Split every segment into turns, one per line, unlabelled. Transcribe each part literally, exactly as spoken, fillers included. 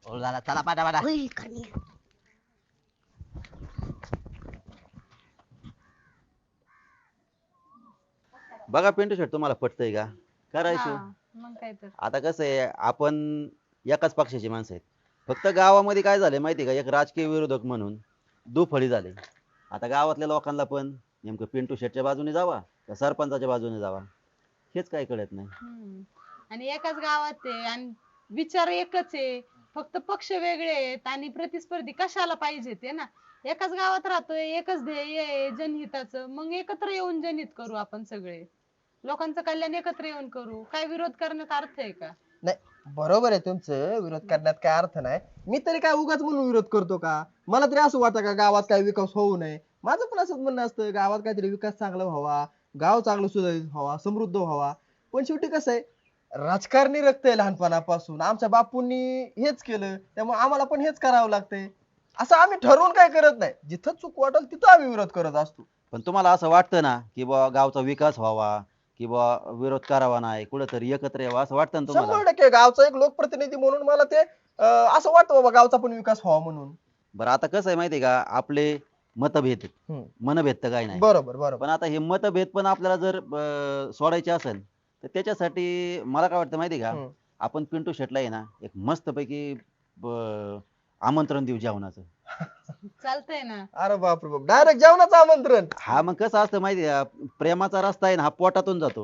हो झाला चला पाठा पाठा.
होय करण्या.
बघा पिंटू शेट तुम्हाला पटतंय का करायचं.
हा, मग काय तर.
आता कसं आहे आपण एकाच पक्षाची माणसं आहेत. फक्त गावामध्ये काय झालंय माहिती आहे का, एक राजकीय विरोधक म्हणून दुफळी झाली. आता गावातल्या लोकांना पण नेमकं पिंटू शेटच्या बाजूने जावा का सरपंचाच्या बाजूने जावा हेच काय कळत नाही.
हम्म. आणि एकाच गावात आहे आणि विचार एकच आहे, फक्त पक्ष वेगळे आहेत आणि प्रतिस्पर्धी कशाला पाहिजे ते ना. एकाच गावात राहतोय, एकच ध्येय आहे जनहिताचं, मग एकत्र येऊन जनहित करू आपण सगळे. लोकांचं कल्याण एकत्र येऊन करू. काय विरोध करण्यात अर्थ आहे का?
नाही बरोबर आहे तुमचं, विरोध करण्यात काय अर्थ नाही. मी तरी काय उगाच म्हणून विरोध करतो का? मला तरी असं वाटतं का गावात काय विकास होऊ नये? माझं पण असंच म्हणणं असतं, गावात काहीतरी विकास चांगला व्हावा, गाव चांगलं सुधारित व्हावा, समृद्ध व्हावा. पण शेवटी कसं आहे, राजकारणी रक्त आहे लहानपणापासून. आमच्या बापूंनी हेच केलं, त्यामुळे आम्हाला पण हेच करावं लागतंय. असं आम्ही ठरवून काय करत नाही, जिथं चूक वाटेल तिथं आम्ही विरोध करत असतो.
पण तुम्हाला असं वाटतं ना की बा गावचा विकास व्हावा किंवा विरोध करावा नाही, कुठेतरी एकत्र यावं असं वाटतं ना तुम्हाला?
शंभर टक्के गावचा एक लोकप्रतिनिधी म्हणून मला ते अं, असं वाटतं बाबा गावचा पण विकास व्हावा म्हणून.
बरं आता कसं आहे माहिती आहे का, आपले मतभेद आहेत.
हम्म.
मनभेद तर काही नाही.
बरोबर बरोबर.
पण आता हे मतभेद पण आपल्याला जर अं, सोडायचे असेल तर त्याच्यासाठी मला काय वाटतं माहिती आहे का,
हम्म.
आपण पिंटू शेटला आहे ना एक मस्तपैकी ब- आमंत्रण देऊ जेवणाचं.
चालतंय ना.
अरे बापरे बाप, डायरेक्ट जेवणाचं आमंत्रण.
हा मग कसं असतं माहिती आहे का, प्रेमाचा रस्ता आहे ना हा पोटातून जातो.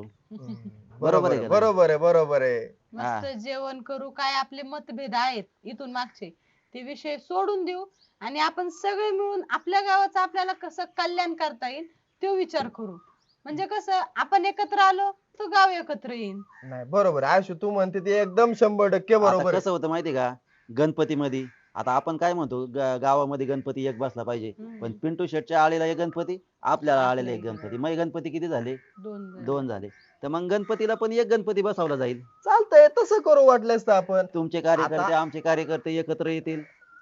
बरोबर आहे
का नाही?
बरोबर आहे बरोबर आहे.
मस्त जेवण करू. काय आपले मतभेद आहेत इथून मागचे ते विषय सोडून देऊ आणि आपण सगळे मिळून आपल्या गावाचं आपल्याला कसं कल्याण करता येईल तो विचार करू. म्हणजे कसं आपण एकत्र आलो तर गाव एकत्र येईल.
नाही बरोबर आहे. आयुष्य तू म्हणते ते एकदम शंभर टक्के
आता
बरोबर आहे.
कसं होतं माहिती आहे का, गणपतीमध्ये आता आपण काय म्हणतो ग- गावामध्ये गणपती एक बसला पाहिजे,
हम्म.
पण पिंटू शेटच्या आळीला एक गणपती, आपल्याला आलेला
आपल्या
एक
इकडे.
गणपती, मग गणपती किती झाले?
दोन जण.
दोन झाले. तर मग गणपतीला पण एक गणपती बसवला जाईल.
चालतंय तसं करू वाटलंस तर आपण.
तुमचे कार्यकर्ते
आता-
आमचे कार्यकर्ते एकत्र येतील.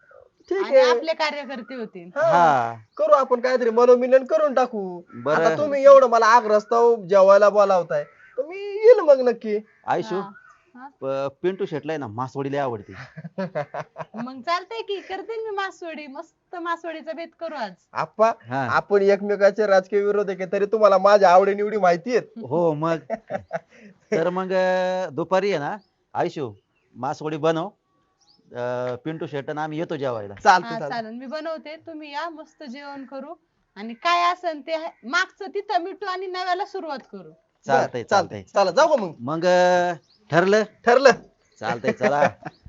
ठीक
आणि
आहे.
आपले कार्यकर्ते होतील.
हा.
हा
करू आपण काहीतरी मनोमिलन करून टाकू.
बरं.
आता तुम्ही एवढं मला आग रस्ता जेवायला बोलावताय तर मी येईल मग नक्की.
आयशू
हा. हा.
प- पिंटू शेटला आहे ना मासवडी लय आवडते.
मग चालतंय की करते मी मासवडी. मस्त मासवडीचा बेत करू आज.
आप्पा
हा
आपण एकमेकाचे राजकीय विरोधक आहे तरी तुम्हाला माझ्या आवडी निवडी माहिती आहेत.
हो मग तर मग अं, दुपारी आहे ना आयशू मासवडी बनव. अं, पिंटू शेट आणि आम्ही येतो जेवायला.
चालतं
हा
चालतं.
चालेल मी बनवते. तुम्ही या मस्त जेवण करू आणि काय असेल ते मागचं तिथं मिठू आणि नव्याला सुरुवात करू.
चालतंय चालतंय.
चला जाऊ का मग.
मग अं, ठरलं.
ठरलं.
चालतंय चला.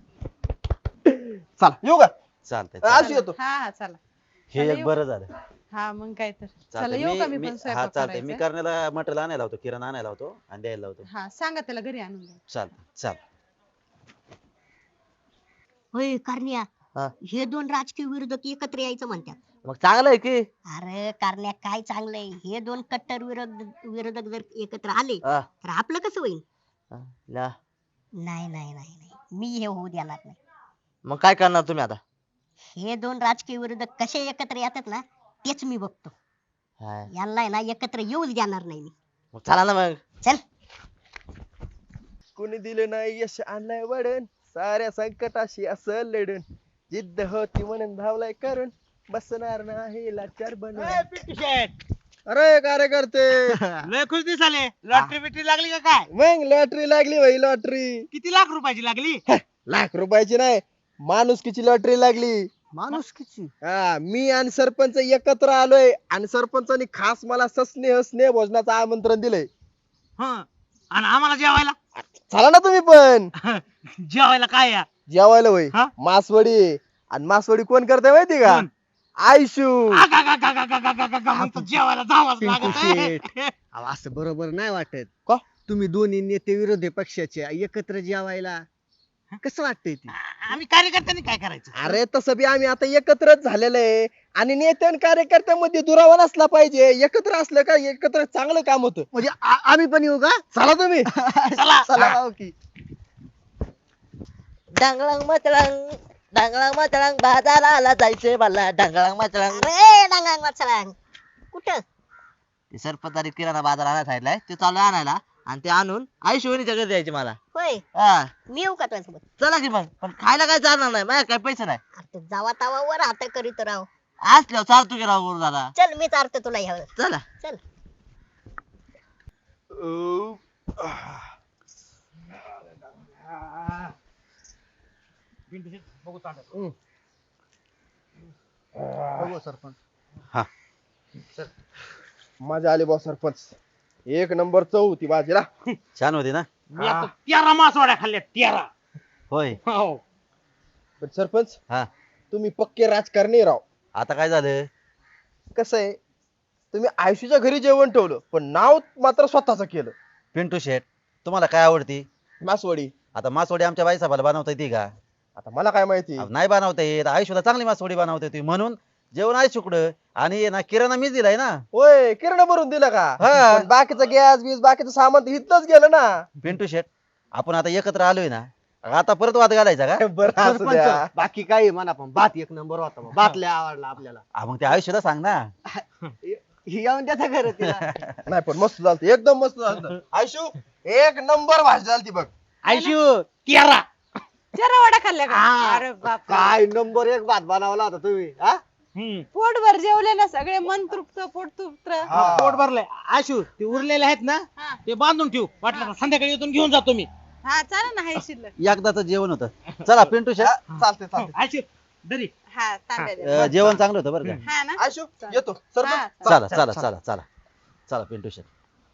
चला येऊ का.
चालतंय
आज
चालतंय.
येतो.
हा हा चला.
हे
चला,
एक
येऊ.
बरं झालं.
हा मग काय तर. चला
चालतंय.
येऊ का मी
मी
पण
मी- हा
स्वयंपाक
चालतंय मी
करायचा.
करण्याला मटेरियल आणायला होतो, किराणा आणायला होतो आणि द्यायला लावतो.
हा सांगा त्याला घरी आणून द्या.
चालतंय चाल.
होय करण्या.
हा.
हे दोन राजकीय विरोधक एकत्र यायचं म्हणतात.
मग चांगलं आहे की.
अरे करण्या काय चांगलंय, हे दोन कट्टर विरोध विरोधक जर एकत्र आले
हा.
तर आपलं कसं होईल?
हा, ल्या.
नाही नाही नाही नाही मी हे होऊ देणार नाही.
मग काय करणार तुम्ही आता?
हे दोन राजकीय विरोधक कसे एकत्र येतात ना तेच मी बघतो.
हा.
यांना आहे ना एकत्र येऊच देणार नाही मी.
मग चला ना मग.
चल.
कुणी दिलं नाही यश आणलंय वडण, साऱ्या संकटाशी असं लढून, जिद्द होती म्हणून धावलाय करून, बसणार नाही लाचार बनून. अरे कार्यकर्ते
लय खुश दिसाले. लॉटरी बिटरी लागली का काय?
मग लॉटरी लागली भाई लॉटरी.
किती लाख रुपयाची लागली?
लाख रुपयाची नाही, माणुसकीची लॉटरी लागली.
माणुसकीची.
हा मी आणि सरपंच एकत्र आलोय आणि सरपंचानी खास मला सस्नेह स्नेह भोजनाचं आमंत्रण दिलंय.
हं. आणि आम्हाला जेवायला?
चला ना तुम्ही पण.
जेवायला काय या?
जेवायला होय
हा?
मासवडी. आणि मासवडी कोण करते माहिती का?
कोण?
आयशू.
आगागागागागागागागा, मग तर जेवायला जावंच लागत आहे.
अहो, असं बरोबर नाही वाटत.
का?
तुम्ही दोन्ही नेते विरोधी पक्षाचे एकत्र जेवायला कसं वाटतंय ते?
आम्ही कार्यकर्त्यांनी काय करायचं?
अरे तसं बी आम्ही आता एकत्रच झालेलं आहे आणि नेते आणि कार्यकर्त्यामध्ये दुरावा नसला पाहिजे. एकत्र असलं का एकत्र चांगलं काम होतं.
म्हणजे आ- आम्ही पण येऊ का?
चला तुम्ही.
चला.
चला राव की.
डांगळांग मचळांग डांगळांग मचळांग बाजाराला जायचे मला डांगळांग मचळांग.
अरे डांगांग वाचलांग कुठं?
ते सरपंचाने किराणा बाजार आणायला सांगितलाय, ते चालू आणायला. आणि ते आणून आई शिवणीच्या घरी द्यायचे मला.
होय
हा
मी येऊ का तुझ्यासोबत?
चला की मग, पण खायला काय चालणार नाही, माझ्या काय पैसे नाही.
अरे तू जावा तावावर आता करीत राव.
असल्यावर चालतो की राव गुरु दादा.
चल मी चारतो तुला ह्यावर.
चला.
चल.
बघू चालत.
बघू सरपंच.
मजा आली बॉस सरपंच. एक नंबर चव होती बाजीला.
छान होती ना?
मी आता तेरा मासवड्या खाल्ल्या तेरा.
होय.
हो
पण सरपंच
हा
तुम्ही पक्के राजकारणी राव.
आता काय झालं?
कसं आहे, तुम्ही आयुष्याच्या घरी जेवण ठेवलं पण नाव मात्र स्वतःच केलं.
पिंटू शेट, तुम्हाला काय आवडती?
मासवडी.
आता मासवडी आमच्या बाईसाहेबाला बनवता येते का?
आता मला काय माहिती.
अहो, नाही बनवता येत. आयुष्याला चांगली मासवडी बनवता येते म्हणून जेवण आहे शुकडं आणि ना किराणा मीच दिलाय ना.
होय किरण भरून दिलं का?
हा.
पण बाकीचं गॅस बीस बाकीचं सामान इथलंच गेलं ना.
पिंटू शेट, आपण आता एकत्र आलोय ना, आता परत वाद घालायचा का?
बरं असू द्या.
सरपंच बाकी काही म्हणा पण भात एक नंबर होता बा. भात लय आवडला आपल्याला.
हा, मग ते आयुष्याला सांग ना.
ही येऊन त्याचा घर तिला.
नाही पण मस्त झालं, एकदम मस्त झालं. आयशू एक नंबर भाजी झाली बघ.
आयशू तेरा.
जरा वडा खाल्ल्या का?
हा.
अरे बाप,
काय नंबर एक भात बनवला होता तुम्ही हा?
हम्म.
पोटभर जेवले ना सगळे, मन तृप्त पोट तृप्त.
हा.
पोट भरलंय. आशू ते उरलेले आहेत ना,
हा
ते बांधून ठेव. वाटलं तर संध्याकाळी येऊन घेऊन जातो मी.
हा चालेल ना, हाय शिल्लक.
एकदाच जेवण होतं. चला पिंटू शेट,
हा, चालते चालते.
आयशू दरी.
हा तांब्या द्या.
अं, जेवण चांगलं होतं बरं का?
हा ना.
आयशू येतो
हा,
सरपंच.
चला चला चला चला चला पिंटू शेट.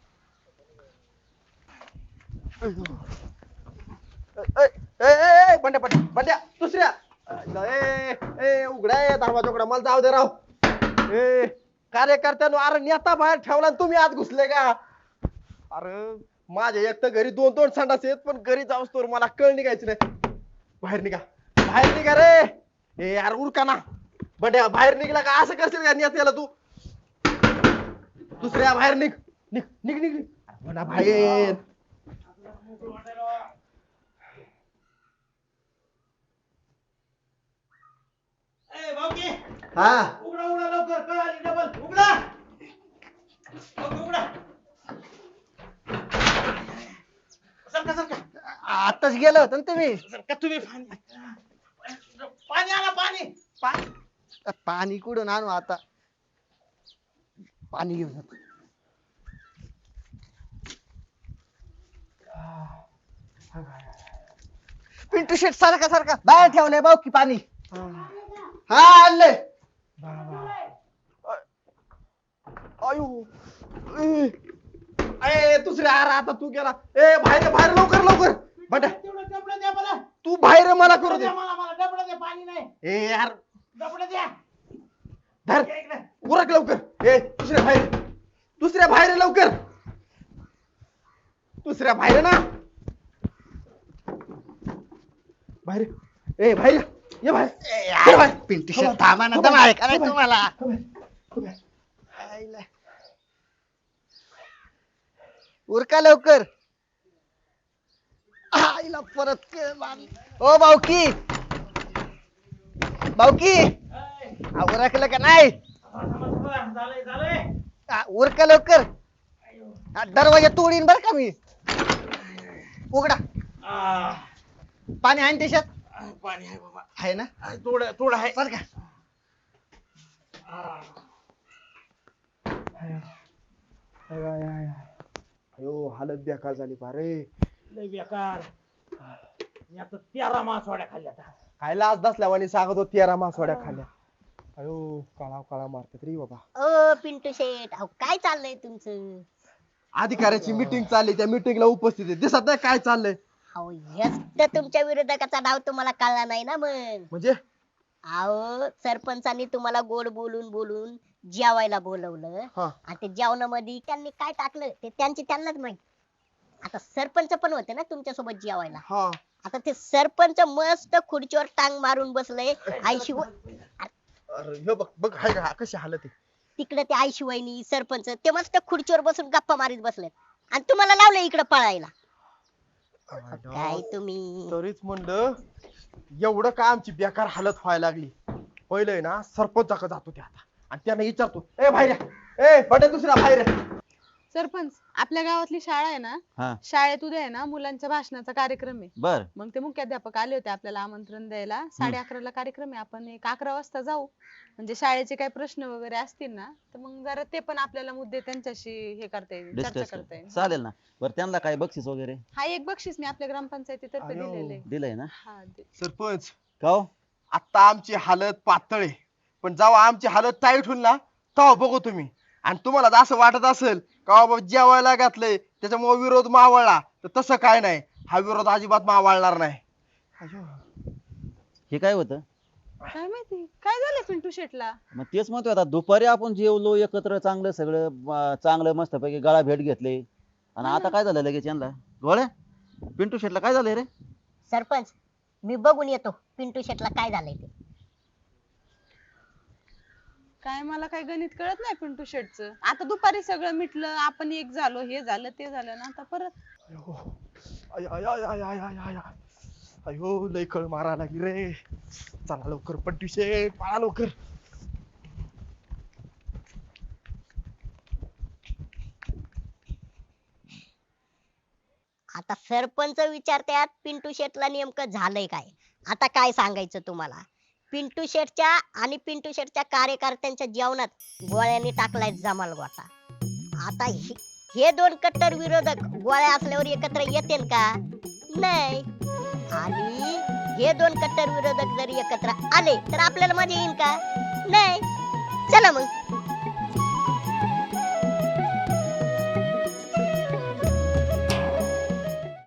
ए, ए, ए, ए, बंड्या बंड्या बंड्या दुसऱ्या. ए, ए, उघडा आहे दरवाजा उघडा, मला जाऊ दे राव. ए कार्यकर्त्यांनो, अरे नेता बाहेर ठेवला आणि तुम्ही आत घुसले का? अरे माझ्या एक तर घरी दोन दोन संडास आहेत, पण घरी जाऊस तर मला कळ निघायची नाही. बाहेर निघा, बाहेर निघा रे. ए यार उरका ना. बंड्या बाहेर निघला का असं करशील का नेत्याला तू? दुसऱ्या बाहेर निघ निघ निघ निघ निघ. बंड्या बाहेर.
ए भाऊकी,
हा
उघडा उघडा लवकर. कळ आली डबल. उघडा लवकर उघडा. सरका सरका.
आताच गेलं होतं ना तुम्ही.
सरका तुम्ही. पाणी पाणी आणा पाणी.
पाणी पाणी कुठून आणू आता? पाणी घेऊन येतो. पिंटू शेट सारखा सारखा बाहेर ठेवलंय भाऊ की पाणी.
हा आणले. अयो ए, ए दुसऱ्या अरे आता तू गेला. ए बाहेर बाहेर लवकर लवकर. बंड्या
तेवढं डबडं द्या मला.
तू बाहेर ये, मला करू दे.
द्या मला मला डबडं द्या. पाणी नाही.
ए यार
डबडं द्या.
धर
या इकडे.
उरक लवकर. ए दुसऱ्या बाहेर, दुसऱ्या बाहेर ये लवकर. दुसऱ्या बाहेर ये ना. बाहेर ये. ए बाहेर ये. ये बाहेर. ये बाहेर.
पिंटू शेट थांबा ना, दम आहे का नाही तुम्हाला?
हो बाहेर. हो बाहेर.
आईला. उरका लवकर. आईला परत के- मारली. ओ भाऊकी, भाऊकी आ, उरकलं का नाही?
झालंय झालंय.
आ, उरका लवकर. आ, दरवाजा तोडीन बर का मी. उघडा.
आ,
पाणी आहे ना त्याच्यात?
पाणी आहे बाबा.
आहे ना?
थोडं थोडं आहे.
सर का?
अयो हालत बेकार झाली पारे.
लय बेकार. मी आता तेरा मासवड्या खाल्ल्या आता.
काय लाज दसल्यावानी सांगत होती तेरा मासवड्या खाल्ल्या. अयो काळा काळा मारतात रे बाबा.
ओ पिंटू शेट, अहो काय चाललंय तुमचं?
अधिकाऱ्याची मीटिंग चालली, त्या मीटिंगला उपस्थित आहे. दिसत नाही काय चाललंय?
अहो हेच तर तुमच्या विरोधकाचा डाव तुम्हाला कळला नाही ना मग.
म्हणजे
अहो सरपंचांनी तुम्हाला गोड बोलून बोलून जेवायला बोलवलं
हा.
आणि ते जेवणामध्ये त्यांनी काय टाकलं ते त्यांची त्यांनाच माहित. आता सरपंच पण होते ना तुमच्या सोबत जेवायला.
हा
आता ते सरपंच मस्त खुर्चीवर टांग मारून बसले. आईशिवाय
अरे हे बघ बघ हाय का कशी हालत आहे.
तिकडे ते आईशिवायनी सरपंच ते मस्त खुर्चीवर बसून गप्पा मारीत बसले आणि तुम्हाला लावलं इकडे पळायला. काय तुम्ही
तरीच म्हणलं एवढं का आमची बेकार हालत व्हायला लागली. पहिलं ना सरपंचाकडे जातो ते आता आणि त्यांना विचारतो, ए बाहेर या. ए बटे दुसऱ्या बाहेर या.
सरपंच आपल्या गावातली शाळा आहे ना,
हा
शाळेत उद्या आहे ना मुलांच्या भाषणाचा कार्यक्रम आहे.
बर
मग ते मुख्याध्यापक आले होते आपल्याला आमंत्रण द्यायला. साडे अकराला कार्यक्रम आहे. आपण एक अकरा वाजता जाऊ. म्हणजे शाळेचे काही प्रश्न वगैरे असतील ना तर मग जरा ते पण आपल्याला मुद्दे त्यांच्याशी हे करता येईल, चर्चा
डिस्कस
करता येईल.
चालेल ना. बरं त्यांना काय बक्षीस वगैरे
हा एक बक्षीस मी आपल्या ग्रामपंचायतीतर्फे
अयो.
दिलेलं आहे.
दिलंय ना?
हा दे-
सरपंच
का हो?
आता आमची हालत पातळ आहे, पण जेव्हा आमची हालत टाईट होईल ना तेव्हा बघू तुम्ही. आणि तुम्हाला जर असं वाटत असेल का बाबा जेवायला घातलंय त्याच्यामुळे विरोध मावळला, तर तसं काय नाही, हा विरोध अजिबात मावळणार नाही. अयो.
हे काय होतं?
काय माहिती काय झालं पिंटू शेटला.
मग तेच म्हणतोय आता दुपारी आपण जेवलो एकत्र चांगलं सगळं अं, चांगलं मस्तपैकी गळा भेट घेतले आणि आता काय झालं लगेच यांना गोळ्या पिंटू शेटला काय झालंय रे?
सरपंच मी बघून येतो पिंटू शेटला काय झालंय ते.
काय मला काय गणित कळत नाही पिंटू शेटचं. आता दुपारी सगळं मिटलं, आपण एक झालो, हे झालं ते झालं ना आता परत.
अयो. आय, आय, आय, आय, आय, आय, आय, आय. अयो लय कळ मारा लागली रे. चला लवकर पट्टी शेट, पळा लवकर.
आता सरपंच विचारतात पिंटू शेटला नेमकं झालंय काय. आता काय सांगायचं तुम्हाला. पिंटू शेटच्या आणि पिंटू शेटच्या कार्यकर्त्यांच्या जेवणात गोळ्यांनी टाकलाय जमाल गोटा. आता हे- हे दोन कट्टर विरोधक गोळ्या असल्यावर एकत्र येतील का? नाही. आणि हे दोन कट्टर विरोधक जर एकत्र आले तर आपल्याला मजा येईल का? नाही. चला मग